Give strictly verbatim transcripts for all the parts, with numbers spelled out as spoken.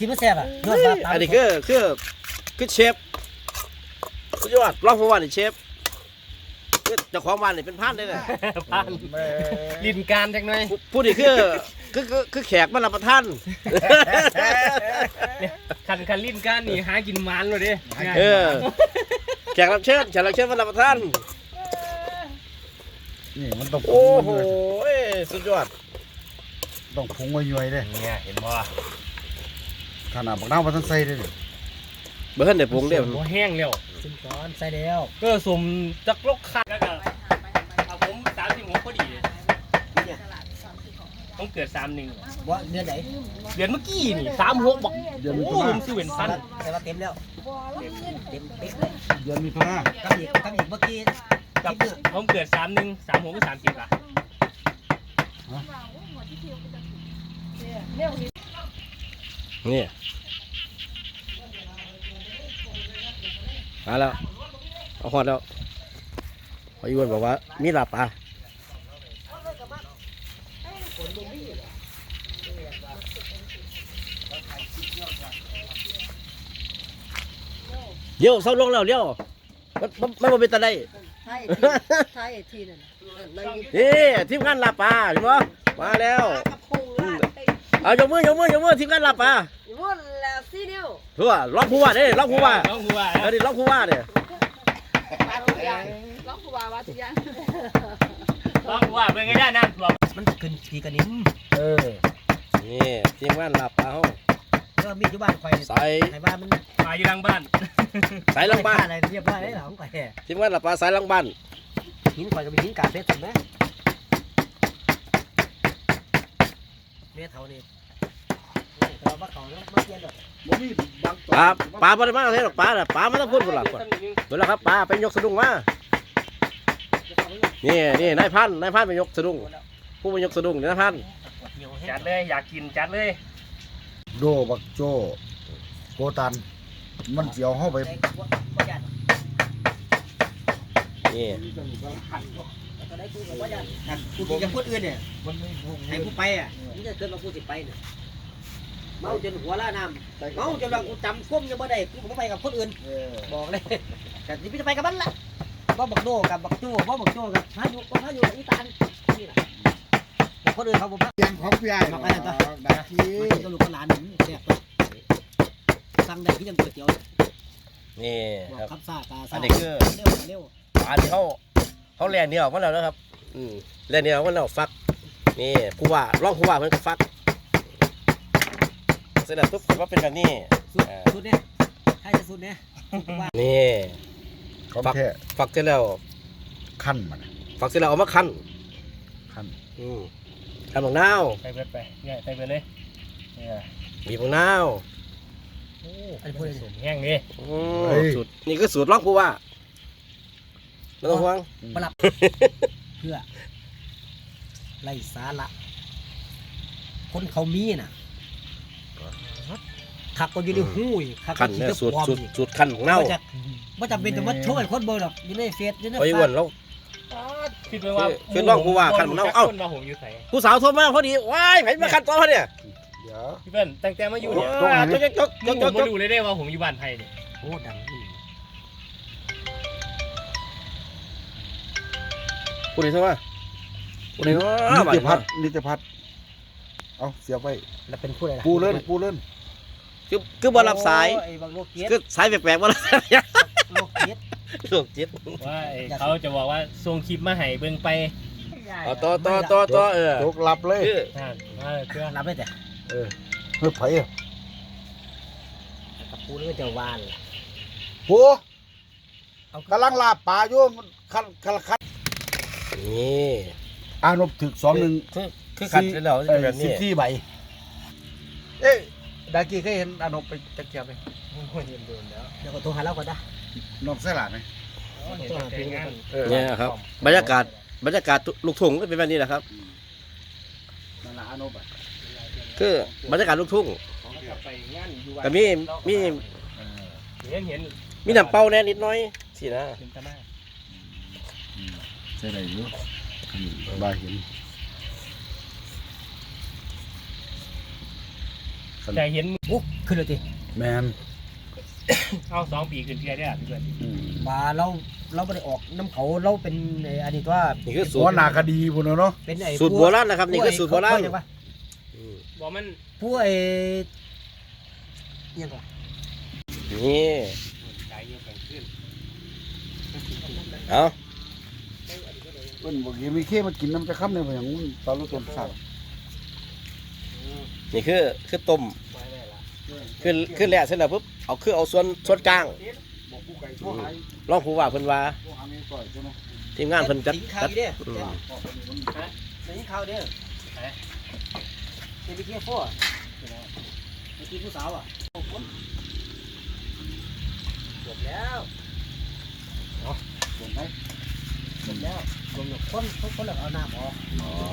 กินไม่แซ่บอ่ะยอดครับอันนี้คือคือคือเชฟสุดยอดรองผู้ว่านี่เชฟคือเจ้าของบ้านนี่เป็นพานได้เลยผ่านลินการจังหน่อยผู้นี่คือคือคือคือแขกมารับประทานคันคันลินการนี่หากินมันเลยดิเออแขกรับเชิญแขกรับเชิญมารับประทานนี่มันต้องโอ้โหสุดยอดต้องพุงไว้ย่อยเด้เนี่ยเห็นบ่ขนาดบักน้ำมันต้องใส่เด้เบิ่งได้ปรุงเด้อบ่แห้งแล้วซึ่งก้อนใส่แล้วก็สมจักลกคักแล้วก็เอาผมสามสิบหกพอดีต้องเกิดสามหนึ่งว่าเดือนไหนเดือนเมื่อกี้นี่สามหกบอกโอ้ผมซื้อเป็นพันแต่ว่าเต็มแล้วเต็มเต็มเป๊ะเลยเดือนมีพนากับอีกกับอีกเมื่อกี้กับผมเกิดสามหนึ่งสามหกก็สามสิบละนี่มาแล้วเอาฮอดแล้วพออีวันบอกว่ามีลาบปลาเดี๋ยวเศร้าลงแล้วเดี๋ยวมันมันมันบ่เป็นตาได้ใช่ใช่ทีนั่นเลยนี่ทีมงานลาบปลาเห็นบ่มาแล้วกระพงลาดเอายกมือยกมือยกมือทีมงานลาบปลาวุ่นแล้วซีนิ้วเพื่อร้องผู้ว่าเด้ร้องผู้ว่าต้องผู้ว่าเออดิร้องผู้ว่าเด้วาทุกอย่างร้องผู้ว่าวาทุกอย่างต้องผู้ว่าเป็นไงได้น้ำท่วมมันขึ้นพีกันนิ้มเออนี่ทีมงานลาบปลาเฮาก็มีอยู่บ้านคอยใส่ใส่บ้านมันมาอยู่หลังบ้านสายหลังบ้านอะไรเรียบร้อยได้หรอของคอยทีมงานลาบปลาสายหลังบ้านหินคอยก็เป็นหินกาเพชรถูกไหมเมียเท่านี้เราบ้าเขาแล้วมาเย็นหรอกบ่มีบางปลาปลาบ่ได้มาเท่หรอกปลาน่ะปลามันต้องพูดพุ่นล่ะพุ่นเบิ่งแล้วครับปลาไปยกสะดุ้งมานี่นี่นายพันนายพันไปยกสะดุ้งผู้ไปยกสะดุ้งนี่นายพันจัดเลยอยากกินจัดเลยโดบักโจโกตันมันเจียวเฮาไปนี่ตอนนี้กูบอกว่าจะกูจะพูดอื่นเนี่ยให้กูไปอ่ะนี่จะเกินมากูสิไปเนี่ยเมาจนหัวล้าน้ำเมาจนว่ากูจำก้มยังไม่ได้กูไม่ไปกับคนอื่นเออบอกเลยแต่ที่พี่จะไปกับมันละว่าบักโดกับบักโจ้ว่าบักโจ้กับพายุก็พายุอีตานนี่แหละคนอื่นเขาบอกว่าเสียงของพี่ใหญ่มาไปแล้วจ้ะดักทีมันก็ลูกก็หลานหนึ่งแซ่บสั่งได้ที่ยังก๋วยเตี๋ยวนี่บอกครับครับซ่าตาซ่าอันนี้คือเร็วเร็วปลาที่เขาเขาแล่เหนียวมาแล้วนะครับอืมแล่เหนียวมาแล้วฟักนี่ผู้ว่าร้องผู้ว่าเพิ่นก็ฟักเสร็จแล้วปุ๊บก็เป็นแบบนี้สุดสุดเนี่ยให้จะสุดเนี่ยว่านี่ของฟักแท้ฟักเสร็จแล้วขั้นมันฟักเสร็จแล้วเอามาคั้นขั้นอืมคั้นบักนาวไปเบิดไปเนี่ยไปเบิดเลยเนี่ยบีบบักนาวโอ้อันนี้พูดได้สูงแห้งดิอืมสูตรนี่คือสูตรร้องผู้ว่าไม่ต้องห่วงปรับเพื่อไล่สาระคนเขามีน่ะขักก็อยู่ในหูยขักคั้นขี้เนี่ยตะสูตรปอมสูตรอีกสูตรคั้นของเน่าบ่จะบ่จำเป็นจะมาโชว์ให้คนเบิ่งหรอกอยู่ในเฟซอยู่ในไปอ้วนแล้วคิดไว้ว่าคือคือน้องผู้ว่าคันของเราเอ้าคนว่าผมอยู่ไสผู้สาวโทรมาพอดีว้ายไผมาคั้นต่อพอเนี่ยเดี๋ยวพี่เปิ้ลตั้งแต่มาอยู่เนี่ยว้าวจกจกจกจผกมจมาก ดูเลยได้ว่าผมอยู่บ้านไทยเนี่ยโอ้ดังอีหลีผู้ใดโทรมาผู้ใดโทรนิมาติพัฒน์นิติพัฒน์เอาเสียบไปแล้วเป็นผู้ใดล่ะปูเล่นปูเล่นคือคือบ่รับสายโอ้ไอ้บักโลกเกียรติคือสายแปลกๆบ่รับสายโลกเกียรติโรคจิตว่าไอ้เขาจะบอกว่าส่งคลิปมาให้เบิ่งไปเอาต่อต่อต่อต่อเออตกหลับเลยคือนั่นเออเพื่อรับได้แต่เออเฮ้ยไผอะกับผู้นี่ก็จะวานล่ะปูเอากำลังลาบปลาอยู่มันคันคันคันนี่อานบถึกสองหนึ่งคือคือขัดเสร็จแล้วจะเอเป็นอแบบสินี้บสี่ใบเอ๊ะดากี้เคยเห็นอานบไปจักเกียบไหมคนเห็นโดนแล้วเดี๋ยวก็โทรหาเราก่อนนะนอกเสยหลาดไหมเห็นแต่งานเออเนี่ยครับบรรยากาศบรรยากาศลูกทุ่งก็เป็นแบบนี้แหละครับนั่นละอานบอ่ะคือบรรยากาศลูกทุ่งไปงานอยู่ก็มีมีเออเห็นเห็นมีน้ำเป้าแน่นิดหน้อยสินะเห็นตาหน้าอืมใช่ได้อยู่อืมบาเห็นขแต่เห็นโอ้ขึ้นเลยทีแมนเอาสองปีขึ้นเพียได้อ่ะพี่เพื่อนอืมมาเราเราไม่ได้ออกน้ำเขาเราเป็นไอ้อันนี้ว่านี่คือสูหัตวรหน้าคดีพุ่นน่ะเนาะเป็นไอ้สูตรโบราณนะครับนี่คือสูตรโบราณ อืมบอกมันผู้ไอ้ยังไงนี่ใจเย็นแข็งขึ้นเอาเพิ่นบอกยังมีเข้มากินน้ำจะค้ำเนี่ยบ่อย่างนู้นตอนรู้ต้นสัตว์นี่คือคือต้มคือคือแล่เสร็จแล้วปุ๊บเอาคือเอาส่วนส่วนกลางบอกผู้ไก่โทรหาลองผู้ว่าเพิ่นว่าโทรหาแม่ก่อยใช่ไหมทีมงานเพิ่นจัดสิงข่าวจัดอีเด้ออืมสิงข่าวเด้อเป็นไปเที่ยวพ่อไปกินผู้สาวอ่ะจบแล้วส่งไหมจบแล้วจบแล้วคนคนคนละเอาน้ำออกอ๋อ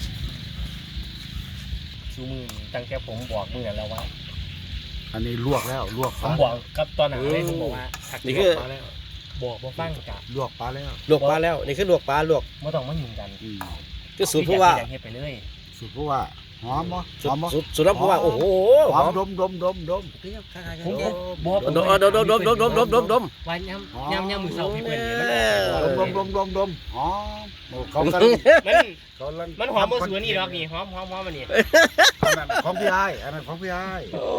ชูมือตั้งแต่ผมบอกมือแล้วว่าอันนี้ลวกแล้วลวกผปลามบอกกับตอนหนังเลยผมบอกว่าถักนี่คือมาแล้วบอกว่าฟังกับลวกปลาแล้วลวกปลาแล้วนี่คือลวกปลาลวกไม่ต้องมายุ่งกันอืมคือสูตรผู้ว่าอยกเฮ็ดไปเลยสุดผู้ว่าหอมบ่หสูตอรมบ่สูตรสูตรผู้ว่าโอ้โหหหออมมดมดมดมดมคือยังคล้ายๆกันผมเด้อบอกดมดมดมดมดมดมดมดมดมวันย่ำย่ำย่ำมือเสาพี่เพื่อนเนี่ยมันดมดมดมดมดมหอมโอ้เขากันมันเขาลังมันหอมมือสวนนี่หรอกนี่หอมหอมหอมมันนี่อันนั้นของพี่ไอ้อันนั้นของพี่ไอ้โอ้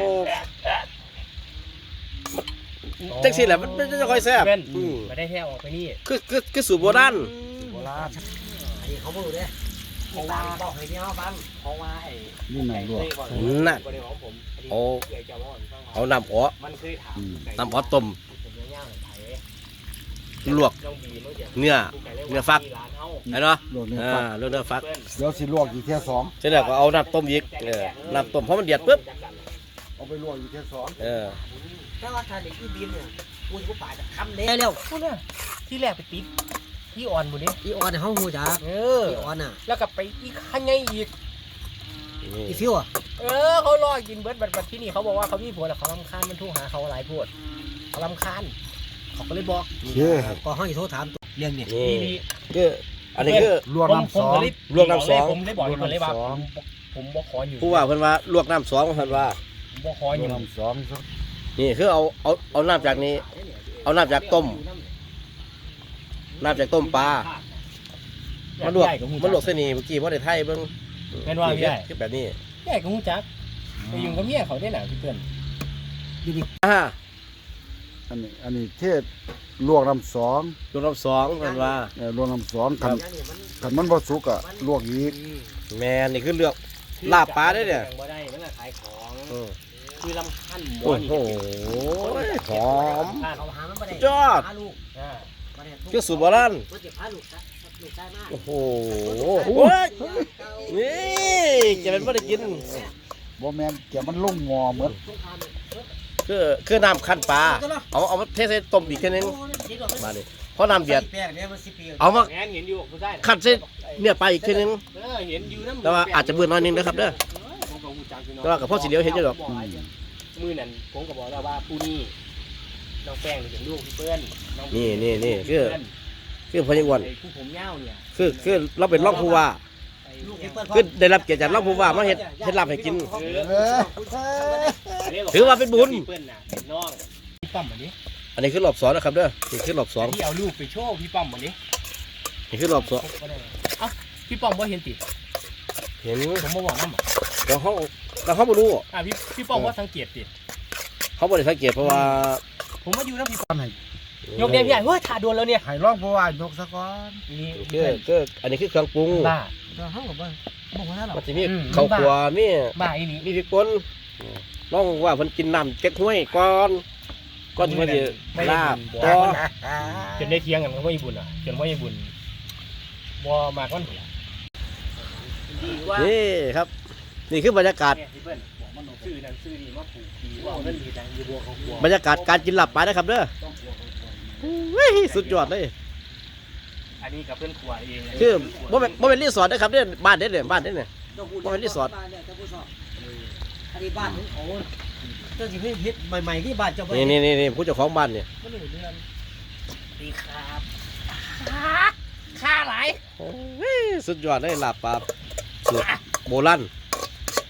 จังสิแหละมันมันจะค่อยแซ่บเพื่อนอืมมาได้แท้ออกไปนี่คือคือคือสูตรโบราณโบราณอันนี้เขาบอกเด้อเพราะว่าบอกให้พี่เขาฟังเพราะว่าไอ้นี่หนังลวกน่ะบ่ได้ของผมโอ้เดี๋ยวจะว่าให้ฟังว่าเอาน้ำอ๋อมันเคยถามน้ำอ๋อต้มผมย่างๆไผลวกน้องบีมันจะเนื้อเนื้อฟักร้านเฮาไอ้เนาะลวกเนี่ยอ่าฟักเรื่องเนื้อฟักเพื่อนเดี๋ยวสิลวกอีกเที่ยสองเสร็จแล้วก็เอาน้ำต้มอีกเออน้ำต้มเพราะมันเดือดปุ๊บเอาไปลวกอีกเที่ยสองเออถ้าว่าทานเด็กที่บินเนี่ยกูจะกูป่าจะคำเด้แล้วพูดน่ะที่แรกไปติดที่อ่อนบุนี้อีออนเนี่ยเขาหูจักเอออีออนน่ะแล้วก็ไปอีกขันไงอีกนี่อีฟิวอ่ะเออเขารอกินเบิร์ดบัดบัดที่นี่เขาบอกว่าเขามีผัวแล้วเขาลำคาญมันทุ่งหาเขาหลายพวดเขาลำคาญเขาก็เลยบอกเย้ก็ห้องอีโทรถามตัวเรื่องเนี่ยนี่นี่นี่คืออันนี้คือลวกผมน้ำผสมองก็เลยรวมน้ำสองผมได้บอกอยู่คนเลยว่ารวมผมน้ำสองผมบอกขออยู่ผู้ว่าเพิ่นว่าลวกน้ำสองเพิ่นว่าผมบอกขอลอวยู่กน้ำสองสักนี่คือเอาเอาเอาน้ำจากนี้ เอาน้ำจากต้มน้ำจากต้มปลามันลวกมันลวกเส้นนี้เมื่อกี้ว่าได้ไทยเบิ่งแม่นว่าพี่ใหญ่คือแบบนี้ใหญ่ก็หูจักไปยุ่งกับเมียเขาได้หนาพี่เพื่อนอ่าอันนี้อันนี้เทศลวกน้ำสองลวกน้ำสองเพิ่นว่าเอ่อลวกน้ำสองคันคันมันบ่สุกอะลวกอีกแม่นนี่คือเลือก ลาบปลาได้เนี่ยบ่ได้มันก็ขายของเออคือลำคันหมโอ้นี่โหหอมเขาหามันไม่ได้ยอดพาลูกอ่าบ่ได้คือสูตรโบราณมันจะพาลูกลูกได้มากโอ้โหโอ้ยนี่จะเป็นบ่ได้กินบ่แม่นแกมันลงหม้อหมดคือคือน้ำขั้นปลาเอาเอามาเทใส่ต้มอีกทีนึงมาดิพอน้ำเดือดแป้งเนี่ยมันสิปีเอามาแอนเห็นอยู่ผู้ชายขัดเส้นเนี่ยไปอีกทีนึงเออเห็นอยู่น้ำแต่ว่าอาจจะเบื่อน้อยนึงนะครับเด้อผมก็หูจักอยู่เนาะแต่ว่ากับพ่อสีเหลียวเห็นอยู่หรอกมือนั่นผมก็บอกแล้วว่าผู้นี้น้องแป้งนี่เป็นลูกพี่เปิ้ลน้องนี่นี่นี่คือเปิ้ลคือพญาอ้วนไอ้ผู้ผมยาวเนี่ยคือคือเราเป็นรองผู้ว่าไอ้ลูกเนี่ที่ยเปิ้ลคือได้รับเกียรติจากรองผู้ว่ามาเฮ็ดเฮ็ดลาบให้กินเออถือว่าเป็นบุญพี่เปิ้ลน่ะเป็นน้องพี่ป้อมวันนี้อันนี้คือรอบสองนะครับเด้อนี่คือรอบสองที่เอาลูกไปโชว์พี่ป้อมวันนี้นี่คือรอบสองเอ้าพี่ป้อมว่าเห็นติเห็นผมมาบอกน้ำอ่ะแล้วเขาแล้วเขาบ่รู้อ่ะพี่พี่ป้อมว่าสังเกตติเขาบ่ได้สังเกตเพราะว่าผมมาอยู่น้ำพี่ป้อมอันไหนยกเดียวพี่ใหญ่เฮ้ยถ่าดวนแล้วเนี่ยให้ลองผู้ว่ายกซะก่อนนี่คือคืออันนี้คือเครื่องปรุงบ้าเราห้องกับว่าบอกว่าเรามันจะมีอืมข้าวคั่วมีบ้าอีนี่มีพริกป่นน้องว่าเพิ่นกินน้ำเก๊กห้วยก่อนก่อนที่มันจะลาบต่อจนได้เทียงกันกับพ่อญี่ปุ่นอ่ะจนพ่อญี่ปุ่นบ่มากวันเดียวดีว่านี่ครับ นี่คือบรรยากาศเนี่ยพี่เปิ้ลบอกมันซื้อนั่นซื้อนี่มาปลูกดีว่าเงินดีจังอยู่บัวเขาบัวบรรยากาศการกินลาบปลานะครับเด้อเฮ้ยสุดยอดเลยอันนี้กับเพื่อนขวายเองคือบ่เป็นบ่เป็นรีสอร์ทนะครับเด้อบ้านเด้อเนี่ยบ้านเด้อเนี่ย ว่าเป็นรีสอร์ทอันนี้บ้านของเขาเจ้าสิเฮ็ดใหม่ๆที่บ้านเจ้านี่นี่นี่นี่ผู้เจ้าของบ้านเนี่ยบ่รู้เรื่องดีครับค่าหลายเฮ้ยสุดยอดเลยลาบปลาสูตรโบราณ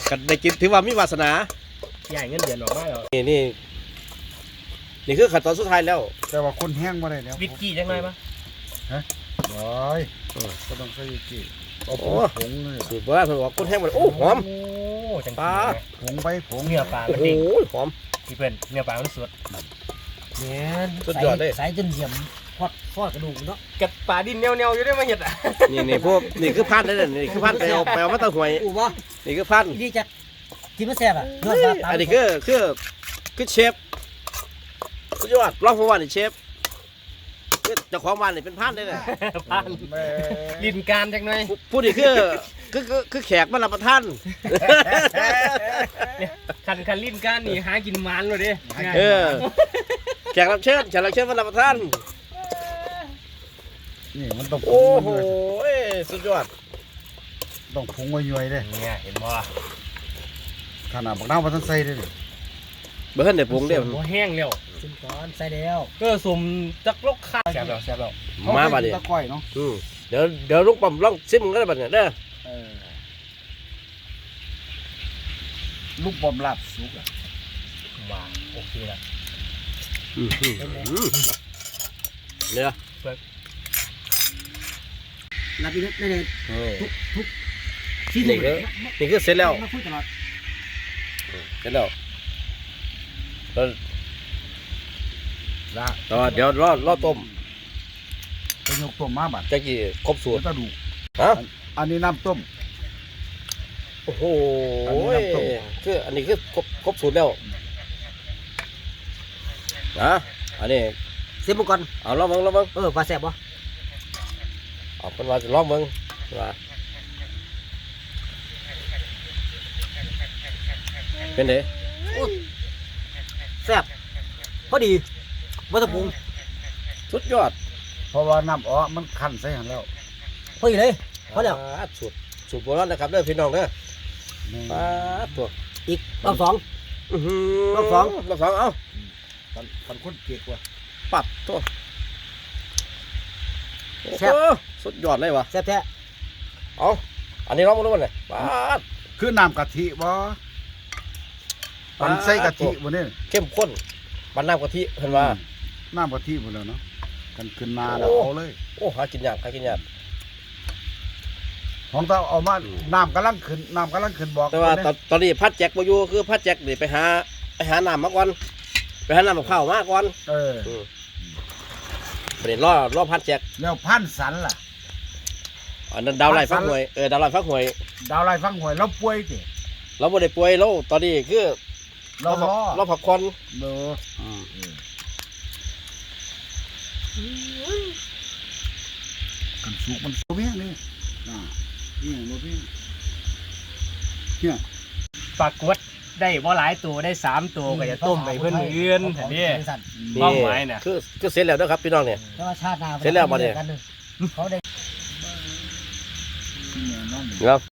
กันได้กินถือว่ามีวาสนาใหญ่เงินเดือนออกมาแล้วนี่นี่นี่คือขั้นตอนสุดท้ายแล้วแต่ว่าคนแห้งมาได้แล้ววิสกี้จังไงปะร้อยก็ต้องใส่กี่เอาผงผงเลยสูตรโบราณเพิ่นบอกคนแห้งมันโอ้หอมโอ้จังปลาผงไปผงเนื้อปลามันโอ้ดีโหหอมพี่เพื่อนเนื้อปลามันสดเนี่ยสุดยอดเลยใส่จนเหยี่ยมทอดทอดกระดูกเนาะกับปลาดินเนียวๆอยู่ได้มาเห็ดอ่ะนี่นี่พวกนี่คือพันธุ์นั่นนี่คือพันธุ์ไปเอาไปเอามาตะหวยอู้บ่นี่คือพันธุ์ดีจัดที่มันแซ่บอ่ะยอดปลาตามอันนี้คือคือคือเชฟสุดยอดลองผมว่านี่เชฟคือเจ้าของบ้านนี่เป็นพันธุ์ได้เลยพันแม่ลินการจังหน่อยผู้ผู้นี่คือคือคือคือแขกมารับประทานคันคันลินการนี่หากินหมันเลยดิเออแขกรับเชิญแขกรับเชิญมารับประทานนี่มันต้องผโอ้งโหสุดยอดต้องผงไว้ย่อยเลยเนี่ยเห็นบ่ขนาดบักน้ำมันต้องใส่เลยเบิ้ลเดี๋ยวปรุงเดี๋ยวบ่แห้งแล้วซิมก่อนใส่แล้วก็สมจักลกข้าวแซ่บแล้วแซ่บแล้วมาบัดนี้นี้ตะก้อยเนาะอืมเดี๋ยวเดี๋ยวลุงปั๊มลองซิมกันบัดเนี่ยเด้อเออลูกบอมลาบสุกอ่ะว้าโอเคละอืมอืมอืมเนี่ยรับอีกนิดได้เลยนี่นี่คือนี่คือเสร็จแล้วมาคุยตลอดเสร็จแล้วแล้วละต่อเดี๋ยวรอรอต้มไปยกต้มมาบัดจะกี่ครบสูเดี๋ตยรวตะดูฮะอันนี้น้ำต้มโอ้โหอันนี้น้ำต้มคืออันนี้คือครบครบสูตรแล้วนะอันนี้ซิมก่อนเอาลองเบิ่งลองเบิ่งเออปลาแซ่บบ่เอาเป็นว่าจะลองเบิ่งว่าเป็นไงแซ่บพอดีบ่ต้องปรุงสุดยอดเพราะว่าน้ำอ้อมันคั่นใส่หันแล้วพอดีเลยพอแล้วปาดสูตรสูตรโบราณนะครับเด้อพี่น้องเด้อนี่ปาดตัวอีกรอบสองอื้อหืรอบสองรอบสองเอาคันคันคนเก๊กว่ะปัดตัวโอ้โหสุดยอดเลยวะแซ่บแท้เอาอันนี้ลองมาดูมันเลยปาดคือน้ำกะทิบ่ปันใส่กะทิบ่เนี่ยเข้มข้นปันน้ำกะทิเห็นว่าน้ำกะทิบ่แล้วเนาะกันขึ้นมาแล้วโอ้เอาเลยโอ้หากินยากหากินยากของเราเอามาน้ำกำลังขึ้นน้ำกำลังขึ้นบอกแต่ว่าเด้ตอนตอนนี้พัดแจ็คมาอยู่คือพัดแจ็คนี่ไปหาไปหาน้ำมาก่อนไปหาน้ำมะพร้าวมาก่อนเอออืมประเด็นรอรอพัดแจ็คแล้วพันสันล่ะอันนั้นดาวไล่ฟักหวยเออดาวไล่ฟักหวยดาวไล่ฟังหวยเราป่วยสิเราบ่ได้ป่วยเราตอนนี้คือเรารอเราพักผ่อนเด้ออืมกันสุกมันโซเพียงนี่อ่านี่โซเพียงเนี่ยปลากวดได้บ่หลายตัวได้สามตัวก็จะต้มไปเพื่อนมื้ออื่นอันนี้นี่เป้าหมายน่ะคือคือเสร็จแล้วเด้อครับพี่น้องเนี่ยแต่ว่าชาติหน้าเสร็จแล้วบ่เนี่ยเขาได้เนี่ยนั่นครับ